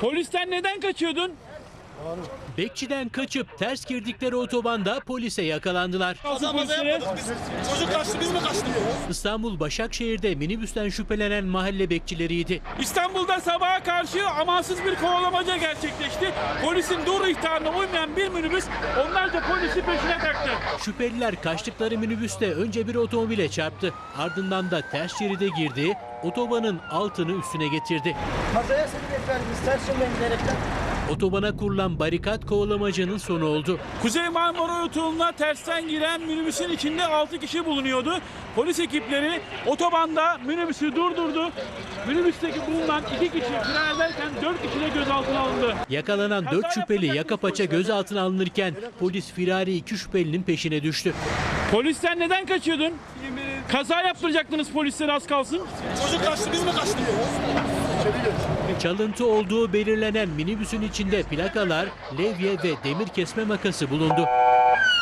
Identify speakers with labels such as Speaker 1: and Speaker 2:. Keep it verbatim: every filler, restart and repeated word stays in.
Speaker 1: Polisten neden kaçıyordun?
Speaker 2: Bekçiden kaçıp ters girdikleri otobanda polise yakalandılar.
Speaker 1: Nasıl polislere?
Speaker 3: Çocuk kaçtı, biz mi kaçtık?
Speaker 2: İstanbul Başakşehir'de minibüsten şüphelenen mahalle bekçileriydi.
Speaker 1: İstanbul'da sabaha karşı amansız bir kovalamaca gerçekleşti. Polisin dur ihtarına uymayan bir minibüs onlarca polisi peşine taktı.
Speaker 2: Şüpheliler kaçtıkları minibüste önce bir otomobile çarptı. Ardından da ters şeride girdi, otobanın altını üstüne getirdi.
Speaker 4: Kazaya sebebiyet verdiniz ters yönden giderekten.
Speaker 2: Otobana kurulan barikat kovalamacanın sonu oldu.
Speaker 1: Kuzey Marmara Otoyolu'na tersten giren minibüsün içinde altı kişi bulunuyordu. Polis ekipleri otobanda minibüsü durdurdu. Minibüsteki bulunan iki kişi fren ederken dört kişi de gözaltına alındı.
Speaker 2: Yakalanan dört şüpheli yaka paça gözaltına alınırken polis firari iki şüphelinin peşine düştü.
Speaker 1: Polisten neden kaçıyordun? Kaza yaptıracaktınız polislere az kalsın.
Speaker 3: Çocuk kaçtı, biz mi kaçtık?
Speaker 2: Çalıntı olduğu belirlenen minibüsün içinde plakalar, levye ve demir kesme makası bulundu.